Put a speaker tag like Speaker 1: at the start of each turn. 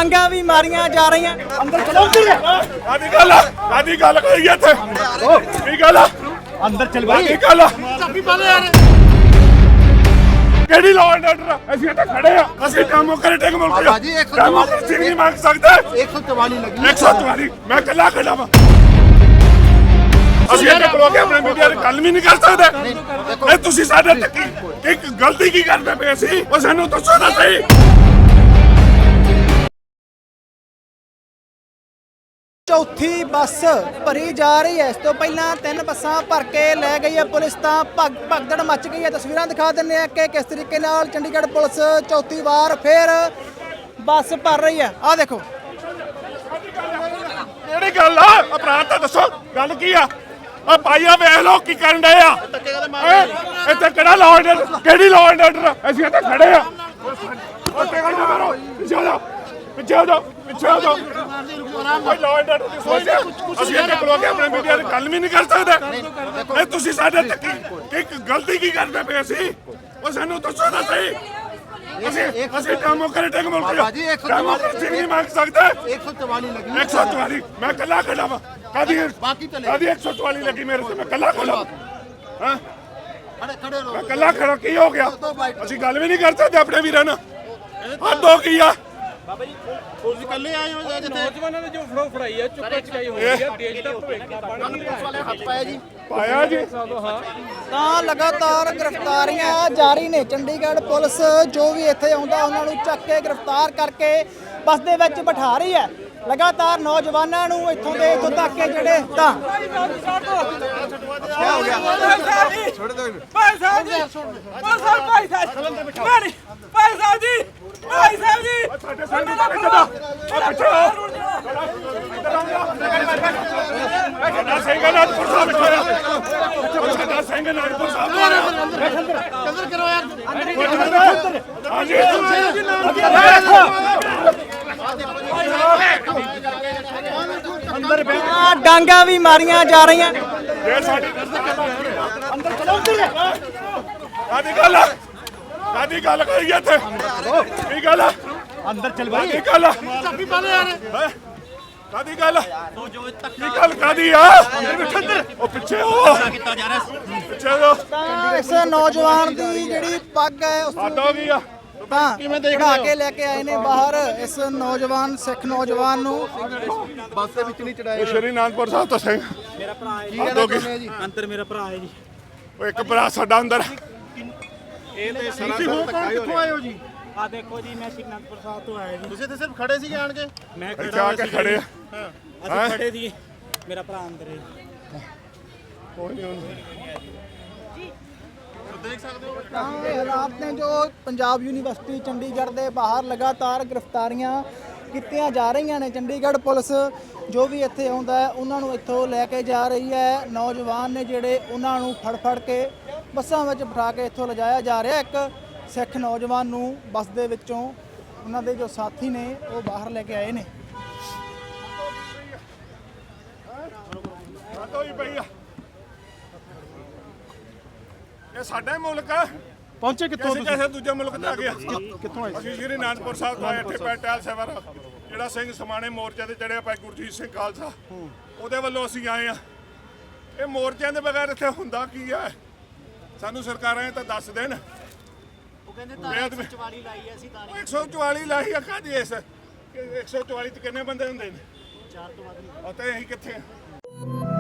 Speaker 1: ਡਾਂਗਾ ਵੀ ਮਾਰੀਆਂ ਜਾ ਰਹੀਆਂ। ਅੰਦਰ ਚਲੋ
Speaker 2: ਕਾਦੀ ਗੱਲ ਕਰੀ ਇੱਥੇ ਕੀ ਗੱਲ
Speaker 1: ਅੰਦਰ ਚਲ ਬਾਈ।
Speaker 2: ਕੀ ਗੱਲ ਚਾਬੀ ਪਾ ਲੈ ਯਾਰ ਕਿਹੜੀ ਲਾਅ ਐਂਡ ਆਰਡਰ ਅਸੀਂ ਇੱਥੇ ਖੜੇ ਆ ਅਸੀਂ ਡੈਮੋਕ੍ਰੈਟਿਕ ਮੁਲਕ ਆ
Speaker 3: ਜੀ 144
Speaker 2: ਡੈਮੋਕ੍ਰੇਸੀ ਨਹੀਂ ਮੰਗ ਸਕਦੇ
Speaker 3: 144 ਲੱਗੀ
Speaker 2: 144 ਮੈਂ ਕੱਲਾ ਖੜਾ ਵਾਂ ਅਸੀਂ ਇੱਥੇ ਖਲੋ ਕੇ ਆਪਣੇ ਮੀਡੀਆ ਨਾਲ ਗੱਲ ਵੀ ਨਹੀਂ ਕਰ ਸਕਦੇ ਇਹ ਤੁਸੀਂ ਸਾਡੇ ਤੱਕ ਇੱਕ ਗਲਤੀ ਕੀ ਕਰਦੇ ਪਏ ਸੀ ਉਹ ਸਾਨੂੰ ਦੱਸੋ ਤਾਂ ਸਹੀ
Speaker 1: ਚੌਥੀ ਬੱਸ ਭਰੀ ਜਾ ਰਹੀ ਹੈ। ਇਸ ਤੋਂ ਪਹਿਲਾਂ 3 ਬੱਸਾਂ ਭਰ ਕੇ ਲੈ ਗਈ ਹੈ ਪੁਲਿਸ ਤਾਂ ਭਗਦੜ ਮੱਚ ਗਈ ਹੈ। ਤਸਵੀਰਾਂ ਦਿਖਾ ਦਿੰਦੇ ਆ ਕਿ ਕਿਸ ਤਰੀਕੇ ਨਾਲ ਚੰਡੀਗੜ੍ਹ ਪੁਲਿਸ ਚੌਥੀ ਵਾਰ ਫੇਰ ਬੱਸ ਭਰ ਰਹੀ ਹੈ। ਆਹ ਦੇਖੋ
Speaker 2: ਕਿਹੜੀ ਗੱਲ ਆ ਅਪਰਾਧ ਤਾਂ ਦੱਸੋ ਗੱਲ ਕੀ ਆ ਆ ਭਾਈਆ ਵੇਖ ਲੋ ਕੀ ਕਰਨ ਡਏ ਆ ਇੱਥੇ ਕਿਹੜਾ ਲਾਅ ਐਂਡ ਆਰਡਰ ਕਿਹੜੀ ਲਾਅ ਐਂਡ ਆਰਡਰ ਅਸੀਂ ਇੱਥੇ ਖੜੇ ਆ ਪਿੱਛੇ ਹੋ ਜਾਓ ਕੋਈ ਲਾਅ ਐਂਡ ਆਰਡਰ ਦੀ ਸੋਚ ਅਸੀਂ ਇੱਥੇ ਖਲੋ ਕੇ ਆਪਣੇ ਮੀਡੀਆ ਨਾਲ ਗੱਲ ਵੀ ਨਹੀਂ ਕਰ ਸਕਦੇ ਇਹ ਤੁਸੀਂ ਸਾਡੇ ਤੱਕ ਇੱਕ ਗਲਤੀ ਕੀ ਕਰਦੇ ਪਏ ਸੀ ਉਹ ਸਾਨੂੰ ਦੱਸੋ ਤਾਂ ਸਹੀ ਅਸੀਂ ਡੈਮੋਕ੍ਰੈਟਿਕ ਮੁਲਕ ਆ ਡੈਮੋਕ੍ਰੇਸੀ ਨਹੀਂ ਮੰਗ ਸਕਦੇ
Speaker 3: 144 ਲੱਗੀ
Speaker 2: 144 ਮੈਂ ਕੱਲਾ ਖੜਾ ਵਾਂ ਕਾਦੀ 144 ਲੱਗੀ ਮੇਰੇ ਤੇ ਮੈਂ ਕੱਲਾ ਖੜਾ ਹਾਂ
Speaker 3: ਖੜੇ
Speaker 2: ਮੈਂ ਕੱਲਾ ਖੜਾ ਕੀ ਹੋ ਗਿਆ ਅਸੀਂ ਗੱਲ ਵੀ ਨਹੀਂ ਕਰ ਸਕਦੇ ਆਪਣੇ ਵੀਰਾਂ ਨਾਲ ਹੱਦ ਹੋ ਗਈ ਆ
Speaker 4: ਬਾਬਾ ਜੀ ਤੁਸੀਂ ਇਕੱਲੇ ਆਏ ਹੋ ਜਿੱਥੇ ਨੌਜਵਾਨਾਂ ਨੇ ਜੋ ਫੜਾਈ ਹੈ ਚੁੱਕਾ ਚਕਾਈ ਹੋਈ ਹੈ ਦੇਸ਼ ਦਾ ਭਵਿੱਖ ਬਣ ਨਹੀਂ ਰਿਹਾ
Speaker 3: ਹੱਥ ਪਾਇਆ ਜੀ
Speaker 2: ਪਾਇਆ ਜੀ
Speaker 1: ਤਾਂ ਲਗਾਤਾਰ ਗ੍ਰਿਫਤਾਰੀਆਂ ਜਾਰੀ ਨੇ। ਚੰਡੀਗੜ੍ਹ ਪੁਲਿਸ ਜੋ ਵੀ ਇੱਥੇ ਆਉਂਦਾ ਉਹਨਾਂ ਨੂੰ ਚੱਕ ਕੇ ਗ੍ਰਿਫਤਾਰ ਕਰਕੇ ਬੱਸ ਦੇ ਵਿੱਚ ਬਿਠਾ ਰਹੀ ਹੈ। ਲਗਾਤਾਰ ਨੌਜਵਾਨਾਂ ਨੂੰ ਇੱਥੋਂ ਤੱਕ ਕੇ ਜਿਹੜੇ ਤਾਂ
Speaker 3: ਛੋੜ ਦੋ
Speaker 4: ਭਾਈ ਸਾਹਿਬ ਜੀ
Speaker 2: ਸਾਡੇ ਸੰਗੀ ਦਾ ਕਿੱਦਾਂ ਪਿੱਛੇ ਸਾਡਾ ਸਿੰਘ ਅਨੰਦਪੁਰ ਸਾਹਿਬ ਬੈਠਾ ਸਾਡਾ ਸਿੰਘ ਅਨੰਦਪੁਰ ਸਾਹਿਬ
Speaker 3: ਕਦਰ ਕਰੋ ਯਾਰ
Speaker 2: ਹਾਂਜੀ
Speaker 1: ਅੰਦਰ ਡਾਂਗਾ ਵੀ ਮਾਰੀਆਂ ਜਾ ਰਹੀਆਂ।
Speaker 2: ਇਹ ਸਾਡੀ ਅੰਦਰ ਚਲੋ ਕਾਦੀ ਗੱਲ ਕਰੀ ਇੱਥੇ ਕੀ ਗੱਲ
Speaker 1: ਅੰਦਰ ਚਲ ਬਾਈ।
Speaker 2: ਕੀ ਗੱਲ
Speaker 3: ਚਾਬੀ ਪਾ ਲੈ ਯਾਰ
Speaker 2: ਕਾਦੀ ਗੱਲ ਕੀ ਗੱਲ ਕਾਦੀ ਆ ਉਹ ਪਿੱਛੇ ਹੋ ਪਿੱਛੇ ਹੋ
Speaker 1: ਤਾਂ ਇਸ ਨੌਜਵਾਨ ਦੀ ਜਿਹੜੀ ਪੱਗ ਹੈ ਉਸ
Speaker 2: ਹੱਦ ਹੋ ਗਈ ਆ
Speaker 1: ਤਾਂ ਕਢਾ ਕੇ ਲੈ ਕੇ ਆਏ ਨੇ ਬਾਹਰ ਇਸ ਨੌਜਵਾਨ ਸਿੱਖ ਨੌਜਵਾਨ ਨੂੰ।
Speaker 3: ਬੱਸ ਦੇ ਵਿੱਚ ਨਹੀਂ ਚੜਾਏ
Speaker 2: ਇਹ ਸ਼੍ਰੀ ਅਨੰਦਪੁਰ ਸਾਹਿਬ ਤੋਂ ਸਿੰਘ
Speaker 4: ਮੇਰਾ ਭਰਾ ਹੈ
Speaker 3: ਕੀ ਕਹਿੰਦੇ ਜੀ
Speaker 4: ਅੰਦਰ ਮੇਰਾ ਭਰਾ ਹੈ ਜੀ
Speaker 2: ਉਹ ਇੱਕ ਭਰਾ ਸਾਡਾ ਅੰਦਰ
Speaker 4: ਇਹ ਤੇ
Speaker 3: ਤੁਸੀਂ ਹੋ ਕੌਣ ਕਿੱਥੋਂ ਆਏ ਹੋ ਜੀ
Speaker 4: ਆ ਦੇਖੋ ਜੀ ਮੈਂ ਸ਼੍ਰੀ ਅਨੰਦਪੁਰ ਸਾਹਿਬ ਤੋਂ ਆਇਆ ਜੀ
Speaker 3: ਤੁਸੀਂ ਤੇ ਸਿਰਫ ਖੜੇ ਸੀਗੇ ਆਣ ਕੇ
Speaker 4: ਮੈਂ
Speaker 2: ਇੱਥੇ ਆ ਕੇ ਖੜੇ ਆ
Speaker 4: ਅਸੀਂ ਖੜੇ ਸੀ ਮੇਰਾ ਭਰਾ ਅੰਦਰ ਹੈ
Speaker 2: ਕੋਈ ਨਹੀਂ
Speaker 3: ਦੇਖ ਸਕਦੇ ਹੋ
Speaker 1: ਤਾਂ ਇਹ ਹਾਲਾਤ ਨੇ ਜੋ ਪੰਜਾਬ ਯੂਨੀਵਰਸਿਟੀ ਚੰਡੀਗੜ੍ਹ ਦੇ ਬਾਹਰ ਲਗਾਤਾਰ ਗ੍ਰਿਫਤਾਰੀਆਂ ਕੀਤੀਆਂ ਜਾ ਰਹੀਆਂ ਨੇ। ਚੰਡੀਗੜ੍ਹ ਪੁਲਿਸ ਜੋ ਵੀ ਇੱਥੇ ਆਉਂਦਾ ਹੈ ਉਹਨਾਂ ਨੂੰ ਇੱਥੋਂ ਲੈ ਕੇ ਜਾ ਰਹੀ ਹੈ। ਨੌਜਵਾਨ ਨੇ ਜਿਹੜੇ ਉਹਨਾਂ ਨੂੰ ਫੜ ਕੇ ਬੱਸਾਂ ਵਿੱਚ ਬਿਠਾ ਕੇ ਇੱਥੋਂ ਲਿਜਾਇਆ ਜਾ ਰਿਹਾ। ਇੱਕ ਸਿੱਖ ਨੌਜਵਾਨ ਨੂੰ ਬੱਸ ਦੇ ਵਿੱਚੋਂ ਉਹਨਾਂ ਦੇ ਜੋ ਸਾਥੀ ਨੇ ਉਹ ਬਾਹਰ ਲੈ ਕੇ ਆਏ ਨੇ।
Speaker 2: ਇਹ ਸਾਡਾ ਮੁਲਕ ਆ
Speaker 3: ਪਹੁੰਚੇ
Speaker 2: ਕਿਸੇ ਦੂਜੇ ਮੁਲਕ ਤੇ ਆ ਗਿਆ ਕਿੱਥੋਂ ਆਏ ਅਸੀਂ ਸ਼੍ਰੀ ਅਨੰਦਪੁਰ ਸਾਹਿਬ ਤੋਂ ਆਏ ਇੱਥੇ ਪੈਟਲ ਸੇਵਰ ਜਿਹੜਾ ਸਿੰਘ ਸਮਾਣੇ ਮੋਰਚੇ ਤੇ ਚੜਿਆ ਭਾਈ ਗੁਰਜੀਤ ਸਿੰਘ ਖਾਲਸਾ ਉਹਦੇ ਵੱਲੋਂ ਅਸੀਂ ਆਏ ਆ ਇਹ ਮੋਰਚਿਆਂ ਦੇ ਬਗੈਰ ਇੱਥੇ ਹੁੰਦਾ ਕੀ ਹੈ ਸਾਨੂੰ ਸਰਕਾਰਾਂ ਇਹ ਤਾਂ ਦੱਸ ਦੇਣ
Speaker 4: ਉਹ ਕਹਿੰਦੇ ਤਾਂ 144 ਲਾਈ ਹੈ ਅਸੀਂ ਤਾਂ
Speaker 2: 144 ਲਾਈ ਆ ਕਾਹਦੀ ਇਸ 144 ਚ ਕਿੰਨੇ ਬੰਦੇ ਹੁੰਦੇ ਨੇ 4 ਤੋਂ ਵੱਧ ਅਤੇ ਅਸੀਂ ਕਿੱਥੇ ਆ